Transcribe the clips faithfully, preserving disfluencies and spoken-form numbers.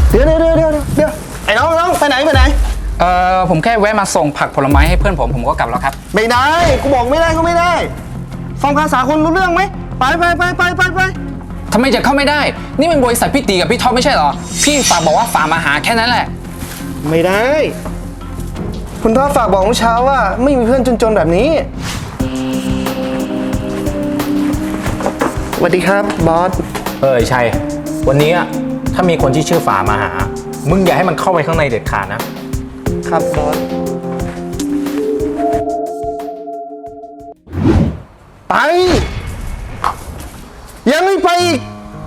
เดี๋ยวเดี๋ยวเดี๋ยวเดี๋ยวเดี๋ยวไอ้น้องน้องไปไหนไปไหนเอ่อผมแค่แวะมาส่งผักผลไม้ให้เพื่อนผมผมก็กลับแล้วครับไม่ได้กูบอกไม่ได้ก็ไม่ได้ฟังภาษาคนรู้เรื่องไหมไปไปไปไปไปไปทำไมจะเข้าไม่ได้นี่มันบริษัทพี่ตีกับพี่ท็อปไม่ใช่เหรอพี่ฝากบอกว่าฝากมาหาแค่นั้นแหละไม่ได้คุณพ่อฝากบอกเมื่อเช้าว่าไม่มีเพื่อนจนๆแบบนี้สวัสดีครับบอสเออชัยวันนี้ถ้ามีคนที่ชื่อฝามาหามึงอย่าให้มันเข้าไปข้างในเด็ดขาดนะครับบอสไปยังไม่ไปอีก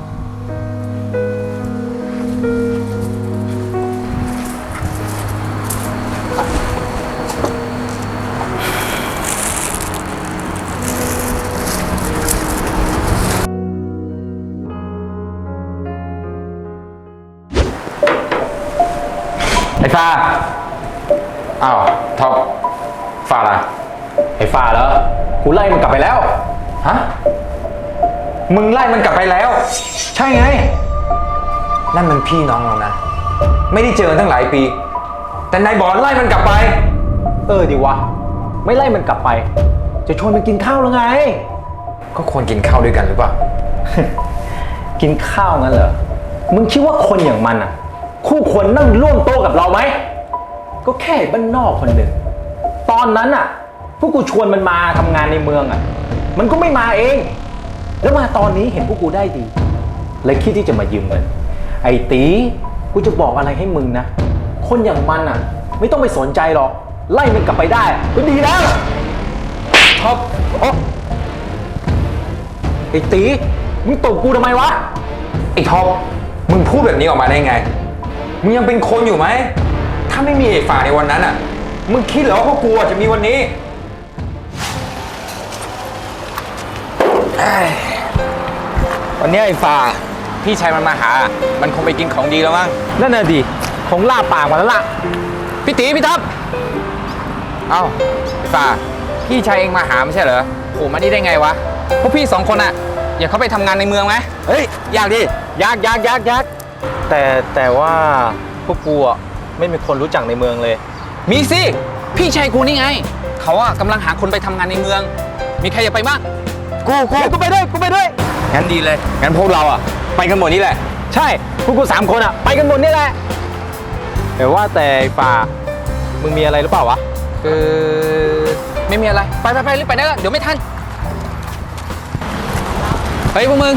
ไอ้ฟ้าอ้าวท็อปฟ้าอะไรไอ้ฟ้าแล้วกูไล่มันกลับไปแล้วฮะมึงไล่มันกลับไปแล้วใช่ไงนั่นมันพี่น้องเรานะไม่ได้เจอตั้งหลายปีแต่นายบอกไล่มันกลับไปเออดีวะไม่ไล่มันกลับไปจะชวนมันกินข้าวแล้วไงก็ควรกินข้าวด้วยกันหรือเปล่า กินข้าวงั้นเหรอมึงคิดว่าคนอย่างมันอ่ะคู่ควรนั่งร่วมโต๊ะกับเราไหมก็แค่บ้านนอกคนหนึ่งตอนนั้นอ่ะพวกกูชวนมันมาทำงานในเมืองอ่ะมันก็ไม่มาเองแล้วมาตอนนี้เห็นพวกกูได้ดีเลยคิดที่จะมายืมเงินไอ้ตีกูจะบอกอะไรให้มึงนะคนอย่างมันอ่ะไม่ต้องไปสนใจหรอกไล่มันกลับไปได้ก็ดีแล้วท็อปโอ้ไอ้ตีมึงตบกูทำไมวะไอ้ท็อปมึงพูดแบบนี้ออกมาได้ไงมึงยังเป็นคนอยู่ไหมถ้าไม่มีไอ้ฝ่าในวันนั้นอ่ะมึงคิดเหรอว่าพวกกูจะมีวันนี้วันนี้ไอ้ฝ่าพี่ชายมันมาหามันคงไปกินของดีแล้วมั้งนั่นน่ะดิคงล่าปากมาแล้วล่ะพี่ตีพี่ท็อปเอ้าไอ้ฝ่าพี่ชายเองมาหาไม่ใช่เหรอโอ้มานี่ได้ไงวะพวกพี่สองคนอ่ะอยากเข้าไปทำงานในเมืองไหมเฮ้ยอยากดิอยากอยากอยากอยากแต่แต่ว่าพวกกูอ่ะไม่มีคนรู้จักในเมืองเลยมีสิพี่ชายกูนี่ไงเขาอ่ะกำลังหาคนไปทำงานในเมืองมีใครอยากไปบ้างกูกูกูไปด้วยกูไปด้วยงั้นดีเลยงั้นพวกเราอ่ะไปกันหมดนี่แหละใช่พวกกูสามคนอ่ะไปกันหมดนี่แหละแต่ว่าแต่ป่ามึงมีอะไรหรือเปล่าวะเออไม่มีอะไรไปไปไปรีบไปได้แล้วเดี๋ยวไม่ทันเฮ้ยพวกมึง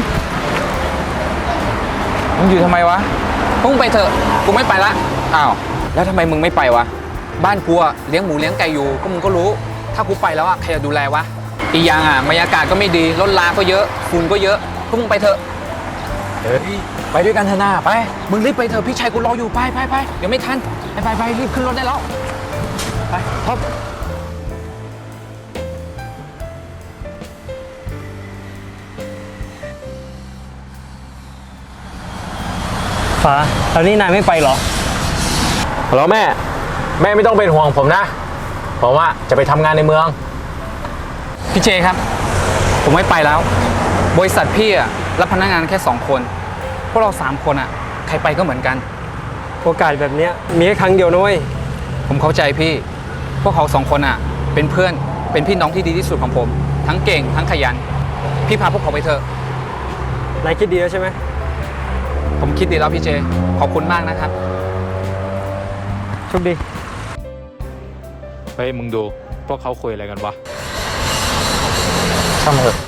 มึงอยู่ทำไมวะพุ่งไปเถอะกูไม่ไปละอ้าวแล้วทำไมมึงไม่ไปวะบ้านกูอะเลี้ยงหมูเลี้ยงไก่อยู่ก็มึงก็รู้ถ้ากูไปแล้วอะใครจะดูแลวะอีกอย่างอะบรรยากาศก็ไม่ดีรถลาก็เยอะฝุ่นก็เยอะพวกมึงไปเถอะเฮ้ยไปด้วยกันเถอะนะไปมึงรีบไปเถอะพี่ชายกูรออยู่ไปไปไปเดี๋ยวไม่ทันไปไปไปรีบขึ้นรถได้แล้วไปท็อปฟ้าตอนนี้นายไม่ไปหรอฮัลโหลแม่แม่ไม่ต้องเป็นห่วงผมนะผมว่าจะไปทำงานในเมืองพี่เจครับผมไม่ไปแล้วบริษัทพี่อะรับพนักงานแค่สองคนพวกเราสามคนอะใครไปก็เหมือนกันโอกาสแบบนี้มีแค่ครั้งเดียวนะเว้ยผมเข้าใจพี่พวกเขาสองคนอะเป็นเพื่อนเป็นพี่น้องที่ดีที่สุดของผมทั้งเก่งทั้งขยันพี่พาพวกเขาไปเถอะนายคิดดีแล้วใช่ไหมผมคิดดีแล้วพี่เจขอบคุณมากนะครับโชคดีเฮ้ยมึงดูพวกเขาคุยอะไรกันวะช่างเถอะ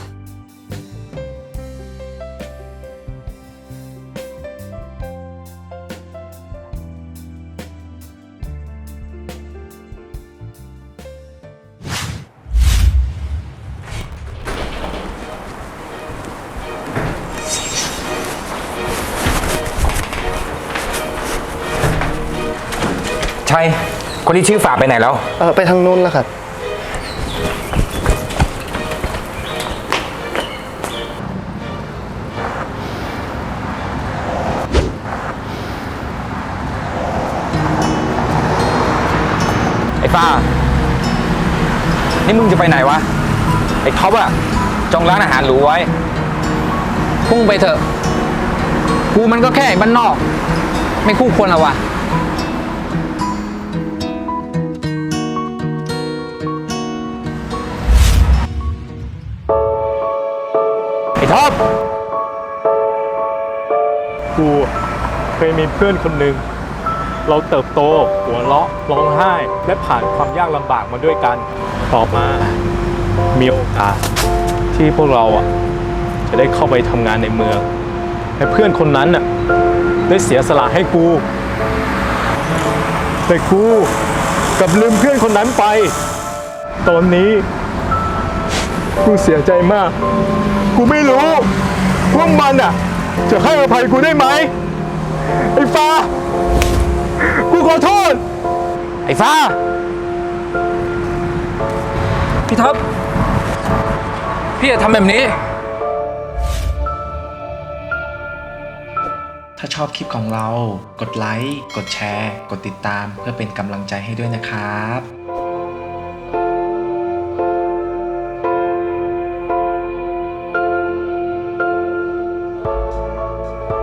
ใช่คนที่ชื่อฝาไปไหนแล้วเออไปทางนู้นแล้วครับไอ้ฟ้านี่มึงจะไปไหนวะไอ้ท็อปอะจองร้านอาหารหรูไว้พุ่งไปเถอะกูมันก็แค่บ้านนอกไม่คู่ควรแล้ววะไอ้ท็อปกูเคยมีเพื่อนคนหนึ่งเราเติบโตหัวเราะร้องไห้และผ่านความยากลำบากมาด้วยกัน ต่อมามีโอกาสที่พวกเราอ่ะจะได้เข้าไปทำงานในเมืองและเพื่อนคนนั้นน่ะได้เสียสละให้กูแต่กูกลับลืมเพื่อนคนนั้นไป ตอนนี้กูเสียใจมาก กูไม่รู้ว่ามันอ่ะจะให้อภัยกูได้ไหมไอ้ฟ้า กูขอโทษไอ้ฟ้า พี่ท็อป พี่จะทำแบบนี้ถ้าชอบคลิปของเรา กดไลค์ กดแชร์ กดติดตามเพื่อเป็นกำลังใจให้ด้วยนะครับ